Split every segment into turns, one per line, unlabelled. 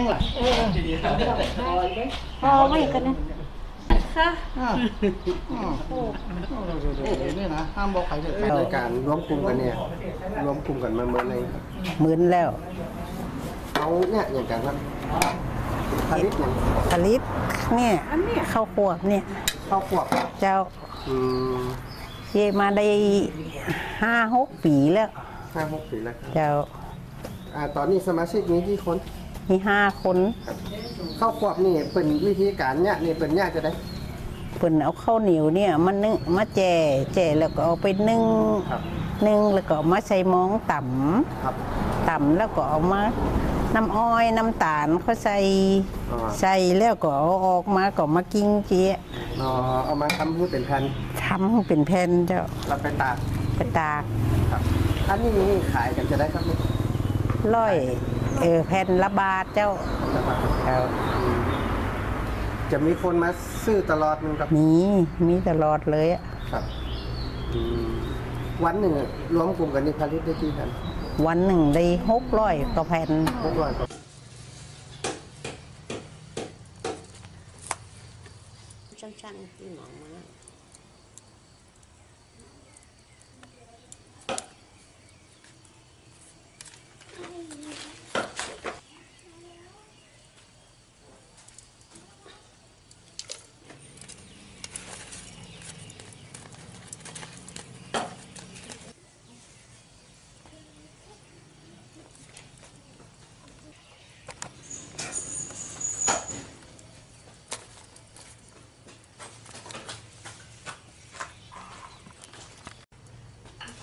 ล่ะ
พอไม่กันนะค่ะ
นี่นะห้ามบอกใครเลย
รายการรวมกลุ่มกันเนี่ยรวมกลุ่มกันมาเมื่อไรครับ
หมื่นแล้ว
เอาเนี่ยอย่างกันครับผลิตอย่าง
ผลิตเนี่ยข้าวขวบเนี่ย
ข้าวขวบ
เจ้า
อืม
เยมาได้5-6 ปีแล้ว
5-6 ปีแล้วครับ
เจ้า
ตอนนี้สมาชิกมีกี่คน
มี5 คน
ข้าวขวบนี่เป็นวิธีการเนี่ยนี่เป็นเนี่ยจะได้
เพิ่นเอาข้าวเหนียวเนี่ยมานึ่งมาแจ่แล้วก็เอาไปนึ่ง
ครับ
นึ่งแล้วก็เอามาใส่หม้องต่
ครับ
ำต่ำแล้วก็เอามาน้ำอ้อยน้ำตาลเขาใส่
อ๋อ
ใส่แล้วก็เอาออกมาก็มากิ้งเจี๊ยะ
เอามาทำให้เป็นแผ่น
ทำให้เป็นแผ่นเจ้า
เราไปตาก
ไปตาก
ครับอันนี้ขายกันจะได้ครับ
ร้อยแผ่นละบาทเจ้าเจ้า
จะมีคนมาซื้อตลอดนึงครับ
มีตลอดเลยอะ
ครับวันหนึ่งรวมกลุ่มกันนี่ผลิตได้กี่แผ่น
วันหนึ่งได้600 กว่าแผ่น
600 กว่า
สั้นๆที่หมองมาแล้ว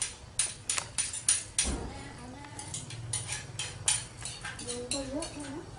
ก็เยอะนะ